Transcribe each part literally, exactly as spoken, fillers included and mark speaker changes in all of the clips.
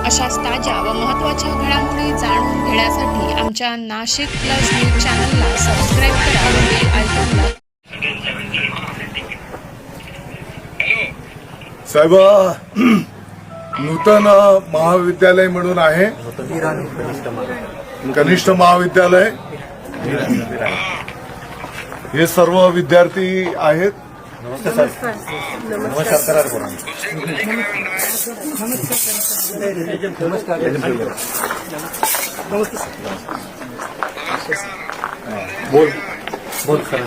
Speaker 1: अशाच ताज्या व महत्त्वाच्या घडामोडी जाणून घेण्यासाठी आमच्या नाशिक प्लस न्यूज चॅनलला सबस्क्राईब करा व बेल आयकॉनला.
Speaker 2: साहेब, नूतन महाविद्यालय म्हणून आहे, कनिष्ठ महाविद्यालय. हे सर्व विद्यार्थी आहेत.
Speaker 3: नमस्कार नमस्कार
Speaker 2: बोल
Speaker 3: बोल सर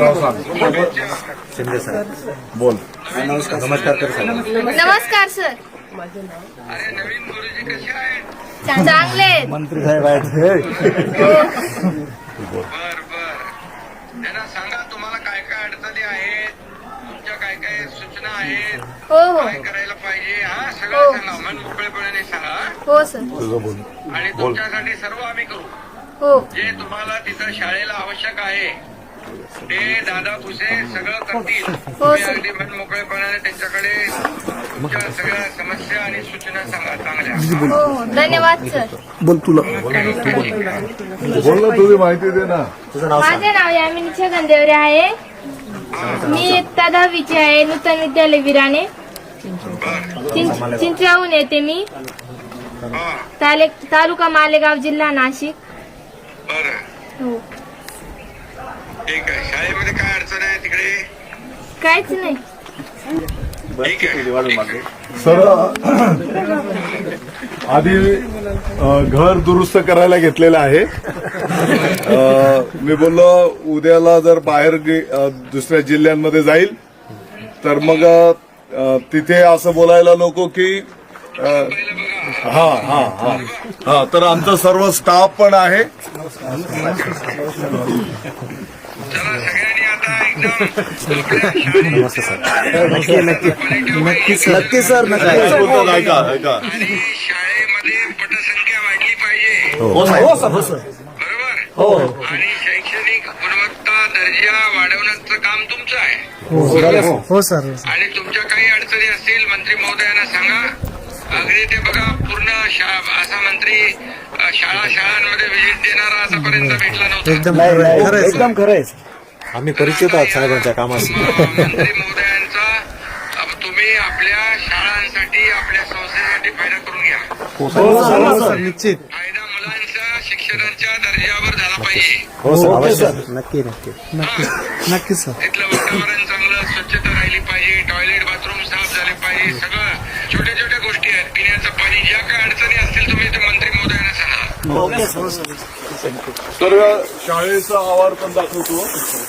Speaker 3: शिंदे सर
Speaker 2: बोल.
Speaker 3: नमस्कार नमस्कार कर सर.
Speaker 4: नमस्कार सर. चांगले आहेत.
Speaker 3: मंत्री साहेब आहेत.
Speaker 5: बर बर त्यांना सांगा तुम्हाला काय काय अडचणी आहेत, तुमच्या काय काय सूचना आहेत,
Speaker 4: हो हो
Speaker 5: काय करायला पाहिजे. हा सगळं सांगा, मन मोकळेपणाने सांगा.
Speaker 4: हो सर.
Speaker 2: तुझं बोल.
Speaker 5: आणि तुमच्यासाठी सर्व आम्ही करू.
Speaker 4: हो
Speaker 5: जे तुम्हाला तिथं शाळेला आवश्यक आहे ते दादा भुसे सगळं करतील. तुम्ही
Speaker 4: सर.
Speaker 5: अगदी मन मोकळेपणाने त्यांच्याकडे तुमच्या सगळ्या समस्या आणि सूचना सांगा चांगल्या.
Speaker 4: हो हो धन्यवाद सर.
Speaker 2: बोल तुला बोल ना, तुझी माहिती दे ना.
Speaker 3: तुझं नाव सांग.
Speaker 4: माझे नाव यामिनी छगन देवरे आहे. मी इयत्ता दहावीची आहे. नूतन विद्यालय विराणे, चिं- चिंचराहून येते मी.
Speaker 5: हा
Speaker 4: ताले तालुका मालेगाव, जिल्हा नाशिक.
Speaker 5: बरं
Speaker 4: हो
Speaker 5: ठीक आहे. शाळेमध्ये काय अडचण आहे तिकडे?
Speaker 4: काहीच नाही.
Speaker 5: ठीक आहे ठीक आहे.
Speaker 2: सर, आधी अ, घर दुरुस्त करायला घेतलेलं आहे. अ, मी बोललो उद्याला जर बाहेर गे- अ, दुसऱ्या जिल्ह्यांमध्ये जाईल तर मग अ, तिथे असं बोलायला नको की अ, हा हा हा हा तर आमचा सर्व स्टाफ पण आहे.
Speaker 5: चला सगळ्यांनी आता एकदम आपल्या
Speaker 3: नमस्ते सर. नक्की नक्की नक्की सर नक्की सर नक्की.
Speaker 2: काय बोलतात ऐका ऐका.
Speaker 5: आणि शाळेमध्ये पटसंख्या वाढली पाहिजे.
Speaker 3: हो सर हो सर
Speaker 5: बरोबर.
Speaker 3: हो
Speaker 5: आणि शैक्षणिक गुणवत्ता दर्जा वाढवण्याचं काम तुमचं आहे.
Speaker 3: हो सर.
Speaker 5: आणि तुमच्या काही अडचणी असतील मंत्री महोदयांना सांगा. अगदी ते बघा पूर्ण शा- असा मंत्री अ, शाळा शाळांमध्ये व्हिजिट देणारा आतापर्यंत भेटला नव्हता.
Speaker 3: एकदम खरं एकदम खरं आहे. आम्ही परिचित आहोत साहेबांच्या कामाशी.
Speaker 5: मंत्री महोदयांचा अ, तुम्ही आपल्या शाळांसाठी आपल्या संस्थेसाठी फायदा करून घ्या.
Speaker 3: हो सर निश्चित.
Speaker 5: फायदा मुलांच्या शिक्षणाच्या दर्जावर झाला पाहिजे.
Speaker 3: हो सर अवश्य. नक्की नक्की नक्की नक्की सर.
Speaker 5: तिथलं वातावरण चांगलं, स्वच्छता राहिली पाहिजे, टॉयलेट बाथरूम साफ झाले पाहिजे. सगळं छोट्या छोट्या गोष्टी आहेत. पिण्याचं पाणी, ज्या काय अडचणी असतील तुम्ही ते मंत्री महोदयांना सांगा.
Speaker 3: Okay sir.
Speaker 2: तर शाळेचा आवार पण दाखवतो.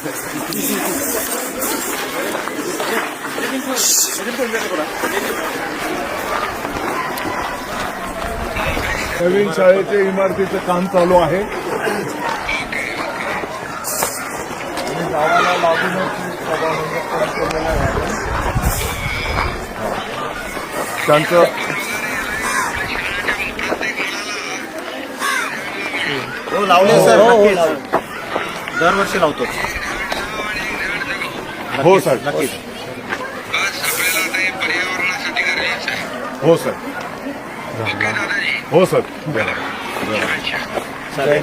Speaker 2: नवीन शाळेच्या इमारतीचं काम चालू आहे आणि गावाला लागूनच सभामंडप पण केलेलं आहे. त्यांचं
Speaker 3: हो लावले सर. नक्की दरवर्षी लावतो.
Speaker 2: हो सर.
Speaker 3: नक्कीच.
Speaker 5: बस आपल्याला आता हे पर्यावरणासाठी गरजेचं आहे.
Speaker 2: हो सर.
Speaker 5: ओके दादाजी.
Speaker 2: हो सर.
Speaker 5: अच्छा.
Speaker 3: सर